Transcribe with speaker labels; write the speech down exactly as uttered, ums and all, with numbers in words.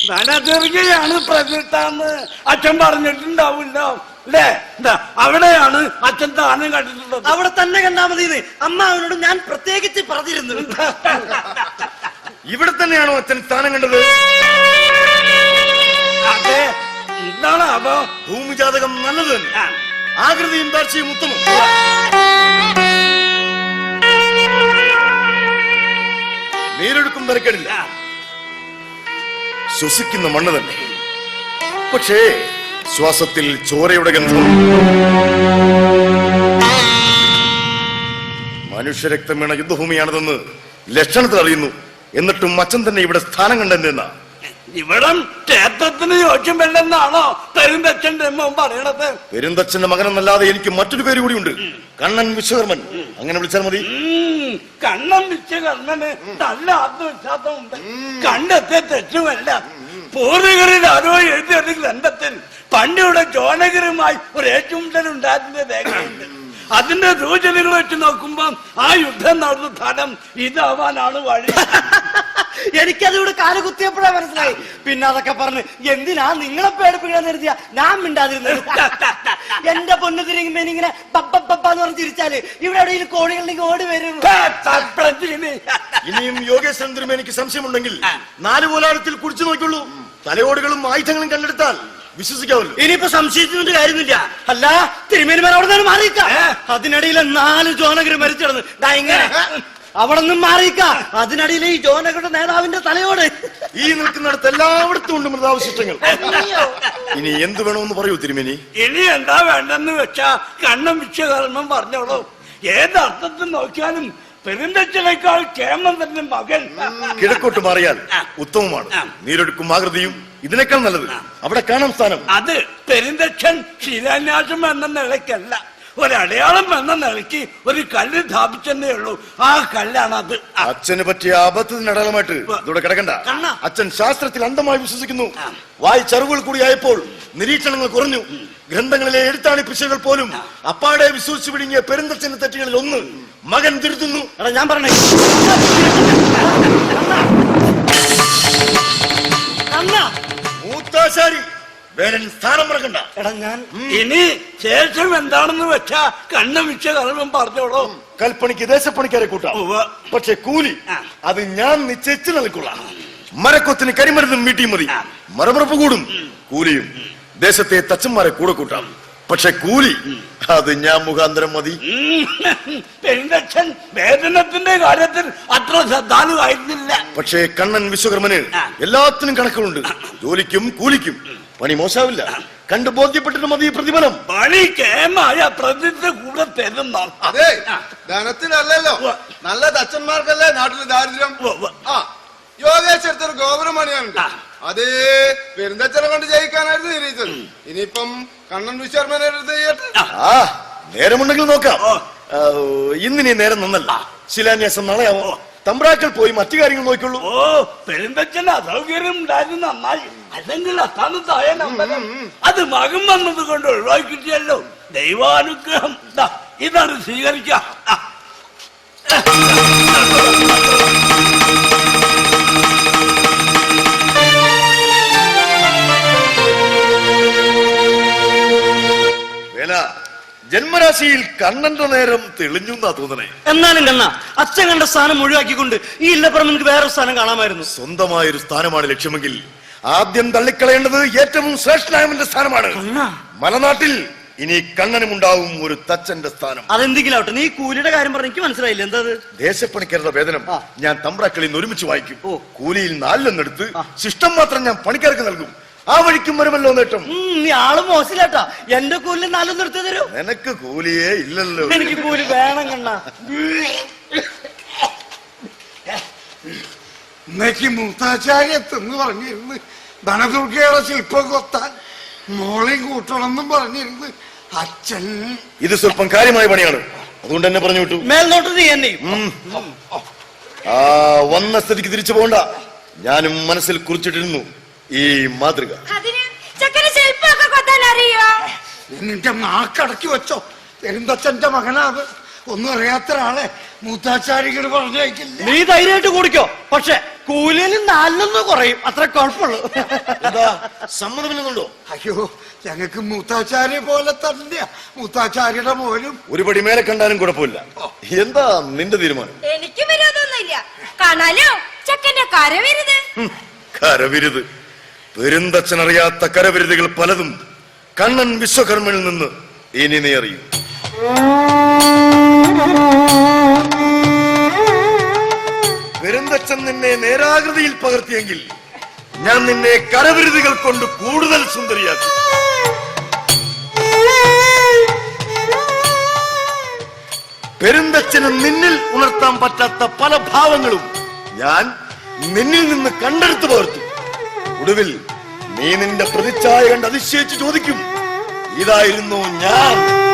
Speaker 1: ധനദുർഗയാണ് പ്രതിഷ്ഠാന്ന് അച്ഛൻ പറഞ്ഞിട്ടുണ്ടാവില്ലോ അല്ലേ? അവിടെയാണ് അച്ഛൻ താനം കണ്ടിട്ടുള്ളത്.
Speaker 2: അവിടെ തന്നെ കണ്ടാ മതി. അമ്മ അവനോട് ഞാൻ പ്രത്യേകിച്ച് പറഞ്ഞിരുന്നു.
Speaker 3: ഇവിടെ തന്നെയാണോ അച്ഛൻ സ്ഥാനം കണ്ടത്?
Speaker 1: അതെ. എന്താണ് അപ്പോ?
Speaker 3: ഭൂമിജാതകം നല്ലത് തന്നെ, ആകൃതിയും താഴ്ചയും ഉത്തമം. നീരൊഴുക്കും നിരക്കടില്ല, ശ്വസിക്കുന്ന മണ്ണ് തന്നെ. പക്ഷേ ശ്വാസത്തിൽ ചോരയുടെ ഗന്ധം. മനുഷ്യരക്തം വീണ യുദ്ധഭൂമിയാണിതെന്ന് ലക്ഷണത്തിൽ അറിയുന്നു. എന്നിട്ടും അച്ഛൻ തന്നെ ഇവിടെ സ്ഥാനം കണ്ടെന്ന
Speaker 1: ഇവിടം ക്ഷേത്രത്തിന് യോജ്യമല്ലെന്നാണോ പെരുന്തച്ഛന്റെ പറയണത്?
Speaker 3: പെരുന്തച്ഛന്റെ മകനെന്നല്ലാതെ എനിക്ക് മറ്റൊരു പേര് കൂടിയുണ്ട്, കണ്ണൻ വിശ്വകർമ്മൻ. അങ്ങനെ വിളിച്ചാൽ മതി.
Speaker 1: കണ്ണൻ വിശ്വകർമ്മന് നല്ല ആത്മവിശ്വാസമുണ്ട്. കണ്ടെത്തിയ തെറ്റുമല്ല. പൂർവികരിൽ ആരോ എഴുതിയ ഗ്രന്ഥത്തിൽ പണ്ടിവിടെ ജോനഗിരുമായി ഒരു ഏറ്റുമുട്ടൽ ഉണ്ടായിരുന്ന രേഖയുണ്ട്. അതിന്റെ സൂചനകൾ വെച്ച് നോക്കുമ്പോ ആ യുദ്ധം നടന്ന സ്ഥലം ഇതാവാനാണ് വഴി.
Speaker 2: എനിക്കതിവിടെ കാല് കുത്തിയപ്പോഴാ മനസ്സിലായി. പിന്നെ അതൊക്കെ പറഞ്ഞ് എന്തിനാ നിങ്ങളെ പേടിപ്പിക്കാൻ നിർത്തിയ ഞാൻ മിണ്ടാതിരുന്നത്. എന്റെ പൊന്നു തിരിങ്ങുമ്പോ ഇങ്ങനെ പപ്പന്ന് പറഞ്ഞ് തിരിച്ചാല് ഇവിടെ എവിടെയും കോഴികളുണ്ടെങ്കിൽ ഓടി വരും.
Speaker 3: ഇനിയും യോഗേശ്വരൻ എനിക്ക് സംശയമുണ്ടെങ്കിൽ നാല് പോലാരത്തിൽ കുടിച്ചു നോക്കുള്ളൂ. തലയോടുകളും ആയുധങ്ങളും കണ്ടെടുത്താൽ വിശ്വസിക്കാമല്ലോ.
Speaker 2: ഇനിയിപ്പോ സംശയിച്ചിട്ട് കാര്യമില്ല. അല്ല തിരുമേനിമാർ അവിടെ നിന്ന് മാറിയിക്ക. അതിനിടയിൽ നാല് ജോനഗർ മരിച്ചിടന്ന് ഇങ്ങനെ അവിടെ നിന്നും മാറിയിക്ക. അതിനിടയിൽ ഈ ജോനഗരുടെ നേതാവിന്റെ തലയോട്
Speaker 3: ഈ നിൽക്കുന്നിടത്ത് എല്ലായിടത്തും ഉണ്ട് മൃതാവശിഷ്ടങ്ങൾ. ഇനി എന്ത് വേണമെന്ന് പറയൂ തിരുമേനി.
Speaker 1: ഇനി എന്താ വേണ്ടെന്ന് വെച്ചാ കണ്ണൻ വിശ്വകർമ്മൻ പറഞ്ഞോളൂ. ഏതർത്ഥത്തിൽ നോക്കിയാലും പെരുന്തച്ഛനേക്കാൾ കേമന്തന്റെ മകൻ.
Speaker 3: കിഴക്കോട്ട് മാറിയാൽ ഉത്തമമാണ്. നീരൊഴുക്കും ആകൃതിയും ഇതിനേക്കാൾ നല്ലത്. അവിടെ കാണാം സ്ഥാനം.
Speaker 1: അത് പെരുന്തച്ഛൻ ശിലാന്യാസം എന്ന നിലയ്ക്കല്ല, ഒരടയാളം എന്ന നിലയ്ക്ക് ഒരു കല്ല് സ്ഥാപിച്ചെന്നേ ഉള്ളൂ. ആ കല്ലാണ് അത്.
Speaker 3: അച്ഛന് പറ്റിയ അബദ്ധത്തിന് അടയാളമായിട്ട് ഇവിടെ കിടക്കണ്ട. അച്ഛൻ ശാസ്ത്രത്തിൽ അന്ധമായി വിശ്വസിക്കുന്നു. വായിച്ചറിവുകൾ കൂടി ആയപ്പോൾ നിരീക്ഷണങ്ങൾ കുറഞ്ഞു. ഗ്രന്ഥങ്ങളിലെ എഴുത്താണി പിശകൾ പോലും അപ്പാടെ വിശ്വസിച്ചു പിടിങ്ങിയ പെരുന്തച്ഛന്റെ തെറ്റുകളിൽ ഒന്ന് മകൻ തിരുത്തുന്നു.
Speaker 2: എടാ ഞാൻ പറഞ്ഞേ,
Speaker 3: മൂത്താശാരി വേറെ സ്ഥാനം മറക്കണ്ട.
Speaker 2: എടാ ഞാൻ
Speaker 1: ഇനി ശേഷം എന്താണെന്ന് വെച്ചാ കണ്ണൻ വിശ്വകർമ്മൻ പറഞ്ഞോളൂ.
Speaker 3: കൽപ്പണിക്ക് ദേശപ്പണിക്കാരെ കൂട്ടാം, പക്ഷെ കൂലി അത് ഞാൻ നിശ്ചയിച്ചു നൽകൊള്ളാം. മരക്കൊത്തിന് കരിമരുന്നും വീട്ടിയും മതി. മരമുറപ്പ് കൂടും, കൂലിയും ദേശത്തെ തച്ചന്മാരെ കൂടെ കൂട്ടാം. പക്ഷെ കൂലി അത് ഞാൻ മുഖാന്തരം മതി.
Speaker 1: പെരുന്തച്ഛൻ വേതനത്തിന്റെ കാര്യത്തിൽ അത്ര ശ്രദ്ധാലുവായിരുന്നില്ല.
Speaker 3: പക്ഷേ കണ്ണൻ വിശ്വകർമ്മന് എല്ലാത്തിനും കണക്കുകളുണ്ട്. ജോലിക്കും കൂലിക്കും പണി മോശാവില്ല. കണ്ടു ബോധ്യപ്പെട്ടിട്ട് മതി പ്രതിഫലം.
Speaker 1: പണി കേമായ പ്രതിജ്ഞ കൂടെ തരുന്ന.
Speaker 4: അതെ, ധനത്തിനല്ലല്ലോ, നല്ല തച്ചന്മാർക്കല്ലേ നാട്ടില് ദാരിദ്ര്യം. ആ യോഗേശ്വരത്തൊരു ഗോപുരം പണിയാനുണ്ട്. അതേ പെരുന്തച്ഛനെ കൊണ്ട് ജയിക്കാനായിരുന്നു നിരീച്ചത്. ഇനിയിപ്പം കണ്ണൻ വിശ്വകർമ്മനെ ചെയ്യട്ടെ.
Speaker 3: ആ നേരമുണ്ടെങ്കിൽ നോക്കാം. ഇന്നിനി നേരം നന്നല്ല. ശിലാന്യാസം നാളെയാവോ. തമ്പ്രാക്കൾ പോയി മറ്റു കാര്യങ്ങൾ നോക്കിയുള്ളൂ.
Speaker 1: ഓ പെരുന്തച്ഛന് അസൗകര്യം ഉണ്ടായിരുന്നു നന്നായി. അല്ലെങ്കിൽ അസ്ഥാനത്തായ നമ്പരം അത് മകൻ വന്നത് കൊണ്ട് ഒഴിവാക്കിയിട്ടല്ലോ. ദൈവാനുഗ്രഹം ഇതാണ് സ്വീകരിക്കാം.
Speaker 3: ജന്മരാശിയിൽ കണ്ണന്റെ നേരം തെളിഞ്ഞു എന്നാ തോന്നണേ.
Speaker 2: എന്നാലും കണ്ണ അച്ഛൻ കണ്ട സ്ഥാനം ഒഴിവാക്കിക്കൊണ്ട് ഈ ഇല്ലപ്പുറം എനിക്ക് വേറെ സ്ഥാനം കാണാമായിരുന്നു.
Speaker 3: സ്വന്തമായൊരു സ്ഥാനമാണ് ലക്ഷ്യമെങ്കിൽ ആദ്യം തള്ളിക്കളയേണ്ടത് ഏറ്റവും ശ്രേഷ്ഠനായവന്റെ സ്ഥാനമാണ്. മലനാട്ടിൽ ഇനി കണ്ണനും ഉണ്ടാവും ഒരു തച്ചന്റെ സ്ഥാനം.
Speaker 2: അതെന്തെങ്കിലും ആവട്ടെ, നീ കൂലിയുടെ കാര്യം പറഞ്ഞ എനിക്ക് മനസ്സിലായില്ല. എന്താ
Speaker 3: ദേശപ്പണിക്കാരുടെ വേതനം ഞാൻ തമ്പ്രാക്കളിൽ നിന്ന് ഒരുമിച്ച് വായിക്കും. കൂലിയിൽ നാലിലൊന്നെടുത്ത് ശിഷ്ടം മാത്രം ഞാൻ പണിക്കാർക്ക് നൽകും. ആ വഴിക്കും വരുമല്ലോ നേട്ടം.
Speaker 2: നീ ആള് മോശമില്ലാട്ടാ. എന്റെ കൂലി നാലൊന്നും എടുത്തു തരൂ.
Speaker 3: നിനക്ക് കൂലിയേ ഇല്ലല്ലോ.
Speaker 2: എനിക്ക് കൂലി വേണം കണ്ണ.
Speaker 5: ഇന്നേക്ക് മൂത്താചാര്യത്തെന്ന് പറഞ്ഞിരുന്ന് ധനദുർഗയുടെ ശില്പം കൊത്താൻ മോളെയും കൂട്ടണമെന്നും പറഞ്ഞിരുന്ന് അച്ഛൻ.
Speaker 3: ഇത് സ്വല്പം കാര്യമായ പണിയാണ്, അതുകൊണ്ട് തന്നെ പറഞ്ഞു വിട്ടു.
Speaker 2: മേൽനോട്ട് നീ എന്നെയും
Speaker 3: ആ വന്ന സ്ഥിതിക്ക് തിരിച്ചു പോകണ്ട. ഞാനും മനസ്സിൽ കുറിച്ചിട്ടിരുന്നു ഈ മാതൃക.
Speaker 5: നിന്റെ നാക്കടക്കി വെച്ചോ. പെരുന്തച്ഛന്റെ മകനാത്. ഒന്നും അറിയാത്ത ഒരാളെ മൂത്താചാരികൾ പറഞ്ഞയക്കില്ല.
Speaker 2: നീ ധൈര്യമായിട്ട് കൂടിക്കോ. പക്ഷെ കൂലിയിൽ നാലിലൊന്ന് കുറയും, അത്ര കുഴപ്പമുള്ളൂ.
Speaker 3: എന്താ സമ്മതമില്ലെന്നുണ്ടോ?
Speaker 5: അയ്യോ, ഞങ്ങൾക്ക് മൂത്താച്ചാര്യ പോലെ തന്നെ മൂത്താച്ചാര്യയുടെ മോനും.
Speaker 3: ഒരു പടി മേലെ കണ്ടാലും കുഴപ്പമില്ല. എന്താ നിന്റെ തീരുമാനം?
Speaker 6: എനിക്ക് വിരോധമൊന്നുമില്ല. കാണാലോ ചെക്കന്റെ കരവരുത്.
Speaker 3: ഹും, കരവിരുത്. പെരുന്തച്ഛനറിയാത്ത കരവിരുതുകൾ പലതും കണ്ണൻ വിശ്വകർമ്മനിൽ നിന്ന് ഇനി നീ അറിയും. പെരുന്തച്ഛൻ നിന്നെ നേരാകൃതിയിൽ പകർത്തിയെങ്കിൽ ഞാൻ നിന്നെ കരവിരുതുകൾ കൊണ്ട് കൂടുതൽ സുന്ദരിയാക്കും. പെരുന്തച്ഛന് നിന്നിൽ ഉണർത്താൻ പറ്റാത്ത പല ഭാവങ്ങളും ഞാൻ നിന്നിൽ നിന്ന് കണ്ടെടുത്തു പകർത്തും. ഒടുവിൽ നീ നിന്റെ പ്രതിച്ഛായ കണ്ട് അതിശയിച്ച് ചോദിക്കും, ഇതായിരുന്നു ഞാൻ.